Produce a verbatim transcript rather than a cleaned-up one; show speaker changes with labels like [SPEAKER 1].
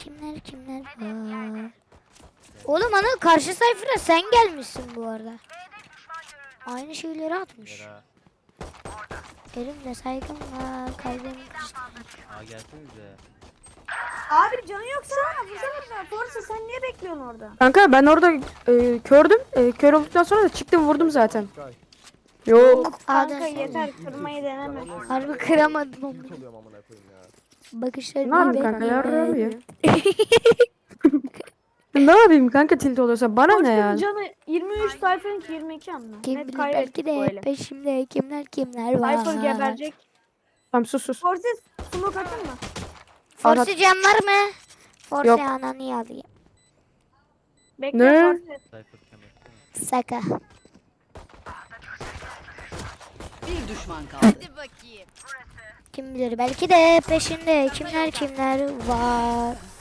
[SPEAKER 1] kimler kimler var. Oğlum Anıl karşı sayfada sen gelmişsin bu arada. Aynı şeyleri atmış.
[SPEAKER 2] Yara.
[SPEAKER 1] Elimde saygım var, kalbim işte.
[SPEAKER 2] Aa gelsenize.
[SPEAKER 3] Abi canı yoksa vursana. Forsa sen niye bekliyorsun orada?
[SPEAKER 4] Kanka ben orada e, kördüm. E, kör olduktan sonra da çıktım vurdum zaten. Yok.
[SPEAKER 3] Kanka
[SPEAKER 1] A'dan
[SPEAKER 3] yeter kırmayı deneme.
[SPEAKER 1] harbi kıramadım onu.
[SPEAKER 5] Tilt oluyorum amına koyayım ya.
[SPEAKER 1] Bakışları
[SPEAKER 4] Ne yapayım kanka yarrağım ya. Ne yapayım kanka tilt oluyorsa bana ne
[SPEAKER 3] Forsa
[SPEAKER 4] ya?
[SPEAKER 3] canı yirmi üç Cypher'ın yirmi iki anla.
[SPEAKER 1] Kim
[SPEAKER 3] Net
[SPEAKER 1] bilir
[SPEAKER 3] kaybettik
[SPEAKER 1] belki de
[SPEAKER 3] böyle.
[SPEAKER 1] peşimde kimler kimler var.
[SPEAKER 3] Cypher geberecek.
[SPEAKER 4] Tamam sus sus.
[SPEAKER 3] Forsa smoke atın mı?
[SPEAKER 1] Force can var mı? Force
[SPEAKER 4] Yok.
[SPEAKER 1] ananı alayım.
[SPEAKER 3] Bekle
[SPEAKER 4] Ne?
[SPEAKER 3] Forsa.
[SPEAKER 2] Cypher kemer.
[SPEAKER 1] Saka.
[SPEAKER 6] Bir düşman kaldı. Hadi bakayım.
[SPEAKER 1] Kim bilir belki de peşinde kimler kimler var.